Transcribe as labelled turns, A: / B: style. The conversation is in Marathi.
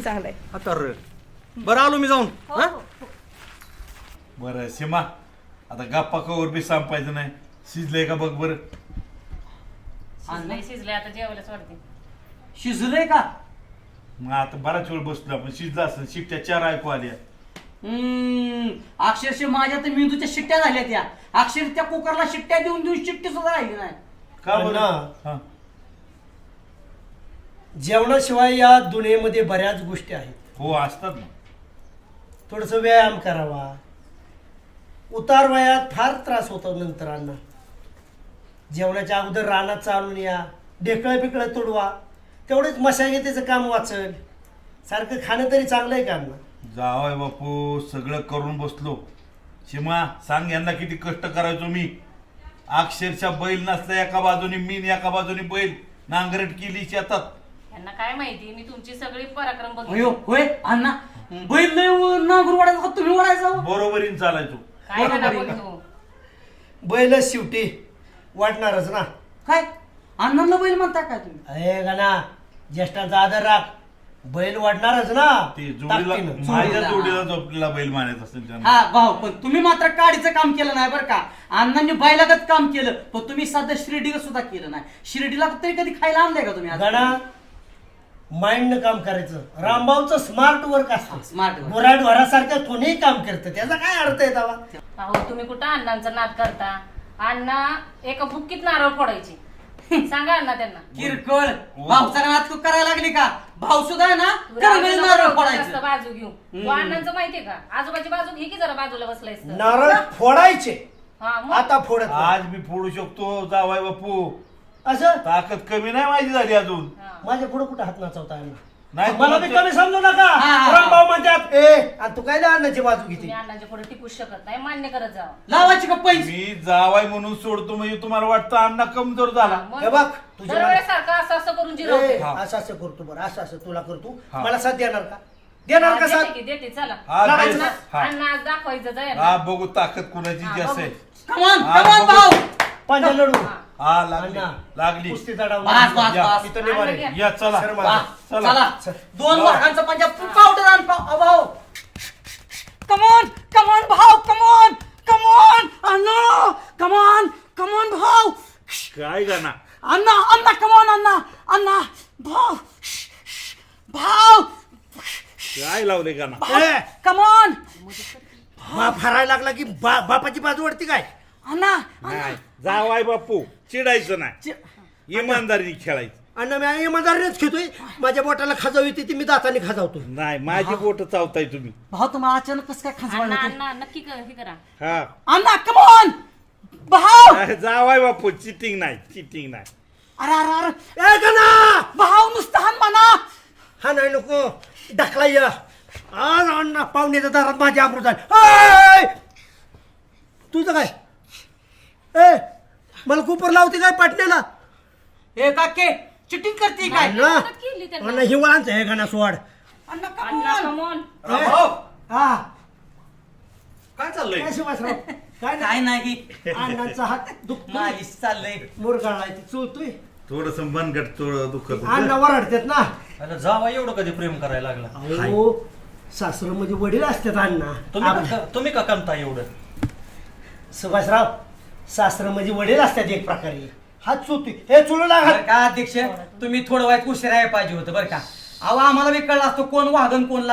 A: चांगलं आहे.
B: आता बरं आलो मी जाऊन.
A: हो, हो, हो.
C: बरं सीमा, आता गप्पा कवर बी संपायचं नाही. शिजलंय का बघ बरं.
D: शिजले आता जेवायलाच वाटते.
E: शिजलंय का?
C: मग आता बराच वेळ बसलो आपण. शिजला असं शिट्ट्या 4 ऐकू आल्या.
E: अक्षरशः माझ्या तर मेंदूच्या शिट्ट्या झाल्या त्या. अक्षर त्या कुकरला शिट्ट्या देऊन देऊन शिट्टी सुद्धा राहिली नाही.
C: का बरं? हा.
B: जेवणाशिवाय या दुनियेमध्ये बऱ्याच गोष्टी आहेत.
C: हो असतात ना.
B: थोडस व्यायाम करावा. उतार वयात फार त्रास होतो नंतर अण्णा. जेवणाच्या अगोदर रानात चालून या, ढेकळं पिकळं तुडवा, तेवढेच मशागतीचं काम वाचल. सारखं खाणं तरी चांगलं आहे का अण्णा?
C: जावय बापू, सगळं करून बसलो. सीमा सांग यांना किती कष्ट करायचो मी. अक्षरशः बैल नसला एका बाजूनी मीन एका बाजूनी बैल नांगरट केली शेतात.
D: यांना काय माहिती, मी तुमची सगळी पराक्रम
E: अयो
D: बघितली.
E: होय अण्णा, बैल लय नांगर वाढायचा का तुम्ही वाढायचा?
C: बरोबरीन चालायचो.
D: काय
E: बरोबर
D: ना
E: आहे.
D: बघतो.
B: बैलच शेवटी वाटणारच ना.
E: काय अण्णांना बैल म्हणता काय तुम्ही?
B: अरे गाना, ज्येष्ठांचा आदर राख. बैल वाढणारच ना.
C: ते जोडीला
B: ताकदीनं.
C: माझ्या जोडीला झोपलेला बैल मानायचा असेल त्यांना.
E: हा भाऊ, पण तुम्ही मात्र काडीचं काम केलं नाही बरं का. अण्णांनी बैलागत काम केलं, पण तुम्ही साधं शिर्डीला सुद्धा केलं नाही. शिर्डीला तरी कधी खायला आणलंय का तुम्ही?
B: गाना, माइंडनं काम करायचं. रामभाऊचं स्मार्ट वर्क असतं.
E: Smart work.
B: बोराड वरासारखं कोणीही काम करतं. त्याचा काय अर्थ आहे तवा?
D: अहो तुम्ही कुठं अण्णांचा नाद करता. अण्णा एका बुक्कीत नारळ फोडायची. सांगा अण्णा त्यांना.
E: किरकोळ भाऊचा नाद तू करायला लागली का? भाऊ सुद्धा आहे ना करंगळी नारळ
D: जास्त
E: फोडायचं.
D: बाजू घेऊ. तू अण्णांचं माहितीये का, आजोबाची बाजू घे की जरा बाजूला बसलायस तर.
B: नारळ फोडायचे.
D: हा मग
B: आता फोडत नाही.
C: आज मी फोडू शकतो जावाय बापू.
B: असं
C: ताकद कमी नाही माझी झाली अजून.
D: हा.
B: माझ्या पुढे कुठे हात नाचवता
C: नाही,
B: नाही. मला बी
C: तुमचं-
B: कमी समजू नका.
E: हा.
B: रामभाऊ म्हणतात ए आणि तू काय अन्नाची बाजू
D: तुम्ही
B: घेते.
D: अण्णांच्या पुढे टिकूच शकत नाही, मान्य करत जावं.
E: लावायची का पैसे?
C: मी जावाय म्हणून सोडतो म्हणजे तुम्हाला वाटतं अण्णा कमजोर झाला.
D: मग
B: हे बघ तुझ्या
D: दरवेळेसारखं असं असं करून जिरवते.
B: ए,
C: हा.
B: असं असं करतो बरं, असं असं तुला करतो.
C: हा.
B: मला साथ देणार का? देणार का साथ?
D: देते की देते, चला.
C: हा,
B: लावायचं
C: दे.
B: ना.
C: हा.
D: अण्णा आज दाखवायचं जाय
C: हा बघू ताकद कुणाची
D: हा,
C: जास्त
D: बघू.
C: आहे.
E: कमान
C: हा,
E: कमान
C: बघू.
E: भाऊ.
B: पांढरा लढू.
D: हा.
C: हा लागली
B: अण्णा.
C: लागली.
B: कुस्ती चढावून.
E: बस, बस,
C: या.
E: बस.
B: इथं निभार आहे.
C: या चला
B: सर,
E: वा,
C: चला.
E: चला दोन वाघांचा पंजा पावडर आण भाऊ. कमॉन कमॉन भाऊ, कमॉन कमॉन अण्णा, कमॉन कमॉन भाऊ.
C: काय गाणा
E: अण्णा अण्णा कमॉन अण्णा अण्णा भाऊ भाऊ
C: काय लावले गाणा.
B: ए,
E: कमॉन
B: बाप हरायला लागला की बापाची बाजू वाढती काय?
E: अण्णा
C: नाही जावाय बापू चिडायचं नाही, इमानदारीने खेळायचं.
B: अण्णा मी इमानदारीनेच खेळतोय. माझ्या बोटाला खाजाव येते ती मी दाताने खाजावतो.
C: नाही माझी बोट चावताय तुम्ही.
E: भाऊ तुम्हाला अचानक कसं काय खास
D: अण्णा
E: वाटलं?
D: अण्णा नक्की हे करा.
C: हा
E: अण्णा कमॉन भाऊ.
C: जावाय बापू चिटिंग नाही, चिटिंग नाही.
E: अरे अरे अरे
B: ए गणा,
E: भाऊ नुसतं हान म्हणा.
B: हा नाही नको ढकला या. आज अण्णा पाहुण्याच्या दारात माझी आबरू झाली. तुझं काय? ए मला कुपर लावते काय पाटण्याला?
E: हे काके चिटिंग करते काय?
B: अण्णा
D: मदत केली त्यांना.
B: अण्णा हिवाळांचं हे गणा सोड.
E: अण्णा
D: अण्णा
E: कमॉन.
D: कमॉन.
B: हा
C: काय चाललंय?
B: काय शिवासराव? काय नाही.
E: काय नाही
B: अण्णाचा हात दुखतोय,
E: माझी चाललंय.
B: मुरगाळाय ती चुळतोय.
C: थोडस मनगट दुखत होतं.
B: अण्णा वराडतात ना.
F: अरे जावा एवढं कधी प्रेम करायला लागला?
B: अहो सासरं म्हणजे वडील असतात अण्णा.
F: तुम्ही का कमता एवढं?
B: सुभाषराव, सासरं म्हणजे वडील असतात एक प्रकारे. हात चुळतोय. हे चुळू लागा.
E: बरं का अध्यक्ष, तुम्ही थोडं वाईट उशीर आहे पाहिजे होतं बरं का. अहो आम्हाला बी कळलं असतं कोण वाघन कोण